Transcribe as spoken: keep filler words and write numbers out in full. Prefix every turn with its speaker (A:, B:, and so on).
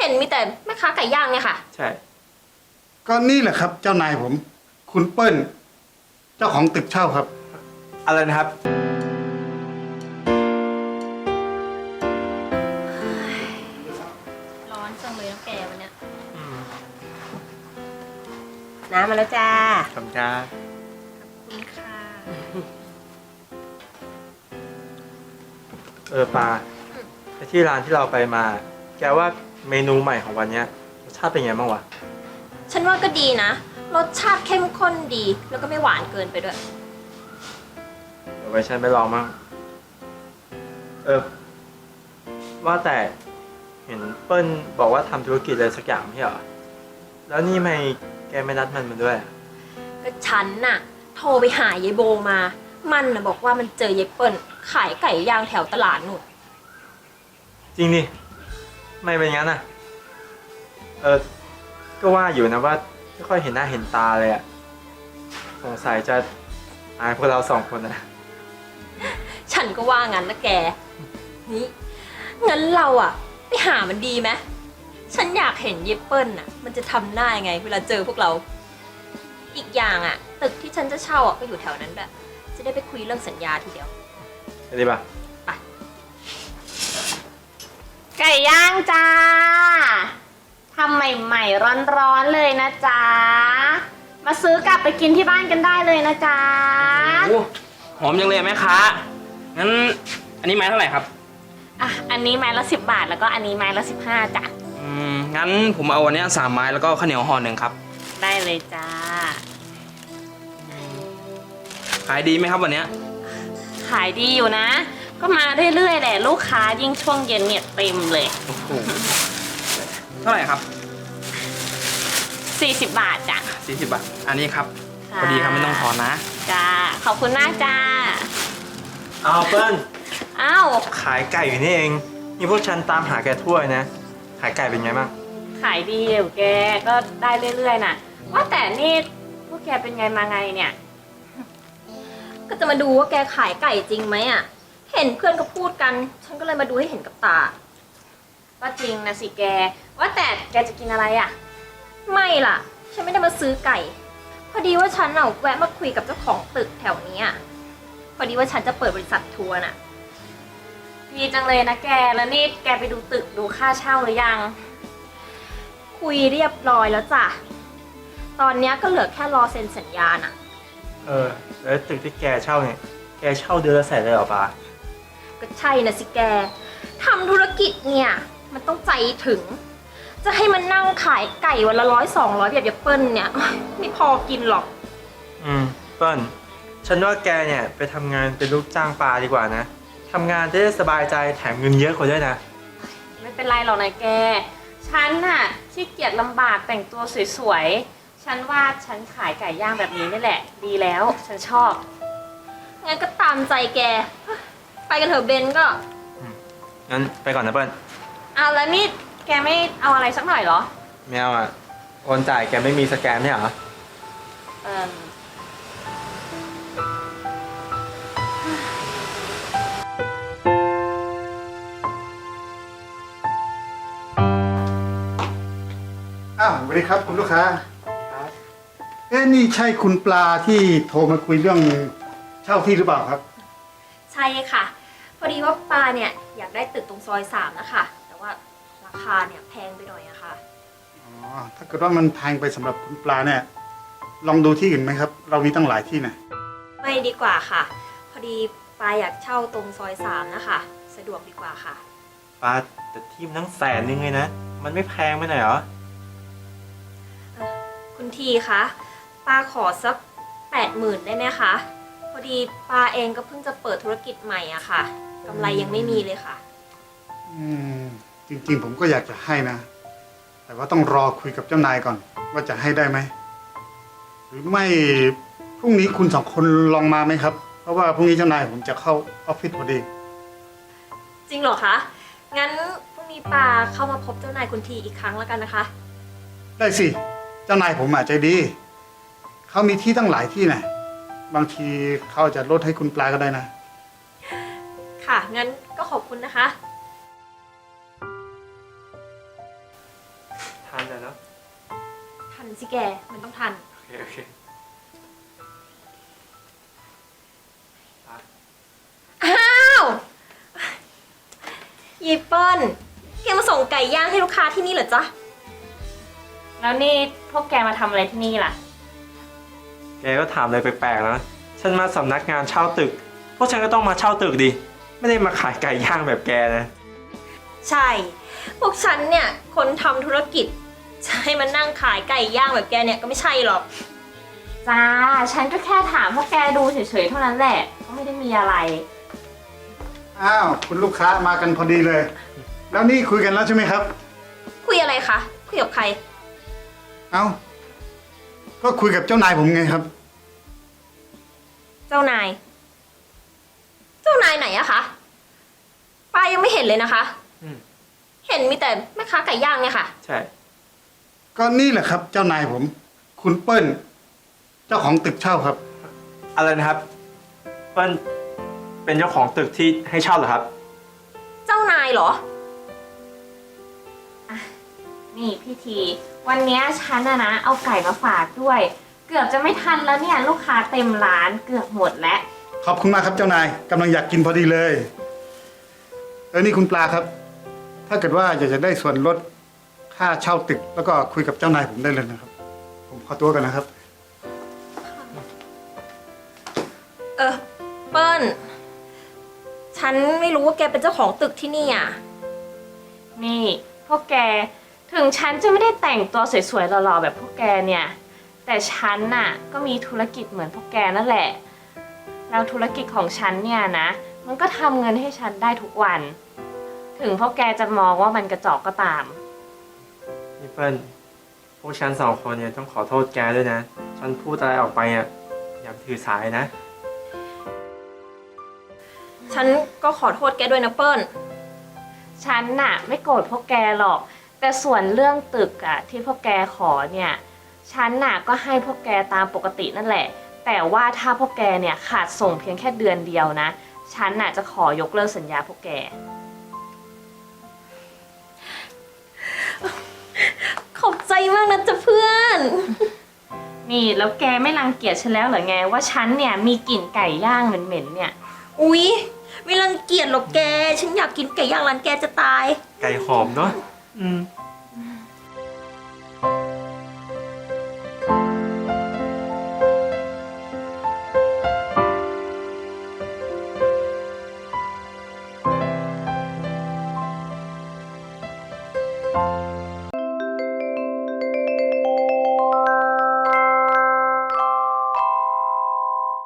A: ห็นมีแต่แม่ค้าไก่ย่างเนี่ยค่ะ
B: ใช่
C: ก็นี่แหละครับ เจ้านายผม คุณเปิ้ล เจ้าของตึกเช่าครับ
B: อะไรนะครับ
A: ร้อนจังเลยน้ำแกวันเนี้ย
D: น้ำมาแล้วจ้า
B: ขอบคุณครับ
A: คุณค่ะ
B: เออปลาไอ้ที่ร้านที่เราไปมา แกว่าเมนูใหม่ของวันเนี้ยรสชาติเป็นไงบ้างวะ
A: ฉันว่าก็ดีนะรสชาติเข้มข้นดีแล้วก็ไม่หวานเกินไปด้วย
B: เดี๋ยวไว้ฉันไปลองมั่งเออว่าแต่เห็นเปิ้ลบอกว่าทำธุรกิจอะไรสักอย่างไม่ใช่เหรอแล้วนี่ไม่แกไม่นัดมันมาด้วยอะ
A: ก็ฉันน่ะ โทรไปหายายโบมา มันน่ะบอกว่ามันเจอยายเปิ้ลขายไก่ย่างแถวตลาดนู่น
B: จริงดิไม่เป็นงั้นอ่ะเออก็ว่าอยู่นะว่าไม่ค่อยเห็นหน้าเห็นตาเลยอ่ะสงสัยจะอายพวกเราสองคนนะ
A: ฉันก็ว่างั้นนะแกนี่งั้นเราอะไปหามันดีไหมฉันอยากเห็นเยเปิ้ลน่ะมันจะทำหน้ายังไงเวลาเจอพวกเรา อีกอย่างอะตึกที่ฉันจะเช่าอะก็อยู่แถวนั้นแบบจะได้ไปคุยเรื่องสัญญาทีเดียว
B: ไปดีป่ะ
A: ไป
D: ไก่ย่างจ้าทำใหม่ๆร้อนๆเลยนะจ๊ะมาซื้อกลับไปกินที่บ้านกันได้เลยนะจ๊ะ
E: โอ้หอมจังเลยแม่ค้างั้นอันนี้ไม้เท่าไหร่ครับ
D: อ่ะอันนี้ไม้ละสิบบาทแล้วก็อันนี้ไม้ละสิบห้าจ้ะ
E: อืมงั้นผมเอาวันนี้สามไม้แล้วก็ข้าวเหนียวห่อหนึ่งครับ
D: ได้เลยจ้า
E: ขายดีไหมครับวันเนี้ย
D: ขายดีอยู่นะ ก็มาเรื่อยๆแหละลูกค้ายิ่งช่วงเย็นเนี่ยเต็มเลย
E: โอ้โหเท่าไหร่ครับ
D: สี่สิบบาทจ้ะ
E: สี่สิบบาทอันนี้ครับ
D: ค่ะ
E: พอดีครับไม่ต้องทอนนะ
D: จ้าขอบคุณมากจ้า
B: เอาเปิ้ล
D: อ้าว
B: ขายไก่อยู่นี่เองนี่พวกฉันตามหาแกทั่วนะ ขายไก่เป็นไงบ้าง
D: ขายดีเดี๋ยวแกก็ได้เรื่อยๆน่ะว่าแต่นี่พวกแกเป็นไงมาไงเนี่ย
A: ก็จะมาดูว่าแกขายไก่จริงไหมอะเห็นเพื่อนก็พูดกัน ฉันก็เลยมาดูให้เห็นกับตา
D: ก็จริงนะสิแกว่าแต่แกจะกินอะไรอ่ะ
A: ไม่ล่ะ ฉันไม่ได้มาซื้อไก่ พอดีว่าฉันเอาแวะมาคุยกับเจ้าของตึกแถวนี้อะพอดีว่าฉันจะเปิดบริษัททัวร์น่ะ
D: ดีจังเลยนะแกแล้วนี่แกไปดูตึกดูค่าเช่าหรือยัง
A: คุยเรียบร้อยแล้วจ้ะ ตอนเนี้ยก็เหลือแค่รอเซ็นสัญญาน่ะ
B: เออแล้วตึกที่แกเช่าเนี่ยแกเช่าเดือนละแสนเลยเหรอปลา
A: ก็ใช่นะสิแก ทำธุรกิจเนี่ย มันต้องใจถึง จะให้มันนั่งขายไก่วันละร้อยสองร้อยแบบยาเปิ้ลเนี่ย ไม่พอกินหรอก
B: อืมเปิ้ลฉันว่าแกเนี่ยไปทำงานเป็นลูกจ้างปลาดีกว่านะทำงานจะได้สบายใจแถมเงินเยอะกว่าด้วยนะ
D: ไม่เป็นไรหรอกนะแก ฉันน่ะขี้เกียจลำบากแต่งตัวสวยๆ ฉันว่าฉันขายไก่ย่างแบบนี้นี่แหละ ดีแล้ว ฉันชอบ
A: งั้นก็ตามใจแก ไปกันเถอะเบนก็
B: งั้นไปก่อนนะเปิ้ล
D: เอาแล้วนี่แกไม่เอาอะไรสักหน่อยเหรอ
B: ไม่เอาอ่ะโอนจ่ายแกไม่มีสแกนไม่เหรอ
D: เออ
C: อ้าวสวัสดีครับคุณลูกค้า
B: ครับ
C: เอ๊ะนี่ใช่คุณปลาที่โทรมาคุยเรื่องเช่าที่หรือเปล่าครับ
A: ใช่ค่ะ พอดีว่าปาเนี่ยอยากได้ตึกตรงซอยสามนะคะ แต่ว่าราคาเนี่ยแพงไปหน่อยอะค่ะ
C: อ๋อ ถ้าเกิดว่ามันแพงไปสำหรับคุณปลาเนี่ย ลองดูที่อื่นไหมครับ เรามีตั้งหลายที่นะ
A: ไม่ดีกว่าค่ะ พอดีปาอยากเช่าตรงซอยสามนะคะ สะดวกดีกว่าค่ะ
B: ปลาแต่ที่มันตั้งแสนนึงเลยนะ มันไม่แพงไปหน่อยเหรอ
A: คุณทีคะปาขอสักแปดหมื่นได้ไหมคะ พอดีปาเองก็เพิ่งจะเปิดธุรกิจใหม่อะค่ะกำไรยังไม่มีเลยค่ะ
C: อืม จริงๆผมก็อยากจะให้นะ แต่ว่าต้องรอคุยกับเจ้านายก่อน ว่าจะให้ได้ไหม หรือไม่พรุ่งนี้คุณสองคนลองมาไหมครับ เพราะว่าพรุ่งนี้เจ้านายผมจะเข้าออฟฟิศพอดี
A: จริงเหรอคะ งั้นพรุ่งนี้ปาเข้ามาพบเจ้านายคุณทีอีกครั้งแล้วกันนะคะ
C: ได้สิ เจ้านายผมอาจใจดี เขามีที่ตั้งหลายที่นะบางทีเขาจะลดให้คุณปลาก็ได้นะ
A: ค่ะ งั้นก็ขอบคุณนะคะ
B: ทันเลยเนาะ
A: ทันสิแก มันต้องทัน
B: โอเคโอเคไป
A: อ้าวยีเปิ้ลแกมาส่งไก่ย่างให้ลูกค้าที่นี่เหรอจ๊ะ
D: แล้วนี่พวกแกมาทำอะไรที่นี่ล่ะ
B: แกก็ถามอะไรแปลกๆนะฉันมาสำนักงานเช่าตึก พวกฉันก็ต้องมาเช่าตึกดิ ไม่ได้มาขายไก่ย่างแบบแกนะ
A: ใช่ พวกฉันเนี่ย คนทำธุรกิจจะให้มันนั่งขายไก่ย่างแบบแกเนี่ยก็ไม่ใช่หรอก
D: จ้า ฉันก็แค่ถามพวกแกดูเฉยๆเท่านั้นแหละ ก็ไม่ได้มีอะไร
C: อ้าวคุณลูกค้ามากันพอดีเลย แล้วนี่คุยกันแล้วใช่ไหมครับ
A: คุยอะไรคะ คุยกับใคร
C: เอ้า ก็คุยกับเจ้านายผมไงครับ
A: เจ้านาย เจ้านายไหนอะคะป้ายังไม่เห็นเลยนะคะ
B: อืม
A: เห็นมีแต่แม่ค้าไก่ย่างเนี่ยค่ะ
B: ใช่
C: ก็นี่แหละครับ เจ้านายผม คุณเปิ้ล เจ้าของตึกเช่าครับ
B: อะไรนะครับเปิ้ลเป็นเจ้าของตึกที่ให้เช่าเหรอครับ
A: เจ้านายเหรอ
D: นี่พี่ที วันเนี้ยฉันอะนะ เอาไก่มาฝากด้วย เกือบจะไม่ทันแล้วเนี่ย ลูกค้าเต็มร้านเกือบหมดแล้ว
C: ขอบคุณมากครับเจ้านายกำลังอยากกินพอดีเลยเออนี่คุณปลาครับ ถ้าเกิดว่าอยากจะได้ส่วนลดค่าเช่าตึก แล้วก็คุยกับเจ้านายผมได้เลยนะครับ ผมขอตัวกันนะครับ
A: เออ เปิ้ล ฉันไม่รู้ว่าแกเป็นเจ้าของตึกที่นี่อ่ะ
D: นี่พวกแก ถึงฉันจะไม่ได้แต่งตัวสวยๆหล่อๆแบบพวกแกเนี่ย แต่ฉันน่ะก็มีธุรกิจเหมือนพวกแกนั่นแหละ แล้วธุรกิจของฉันเนี่ยนะ มันก็ทำเงินให้ฉันได้ทุกวัน ถึงพวกแกจะมองว่ามันกระจอกก็ตาม
B: นี่เปิ้ลพวกฉันสองคนเนี่ยต้องขอโทษแกด้วยนะ ฉันพูดอะไรออกไปอ่ะอย่าถือสายนะ
A: ฉันก็ขอโทษแกด้วยนะเปิ้ล
D: ฉันน่ะไม่โกรธพวกแกหรอก แต่ส่วนเรื่องตึกอะที่พวกแกขอเนี่ย ฉันน่ะก็ให้พวกแกตามปกตินั่นแหละ แต่ว่าถ้าพวกแกเนี่ยขาดส่งเพียงแค่เดือนเดียวนะ ฉันน่ะจะขอยกเลิกสัญญาพวกแก
A: ขอบใจมากนะจ๊ะเพื่อน
D: นี่แล้วแกไม่รังเกียจฉันแล้วเหรอไงว่าฉันเนี่ยมีกลิ่นไก่ย่างเหม็นๆเนี่ย
A: อุ๊ย ไม่รังเกียจหรอกแก ฉันอยากกินไก่ย่างร้านแกจะตาย
B: ไก่หอมเนาะอืม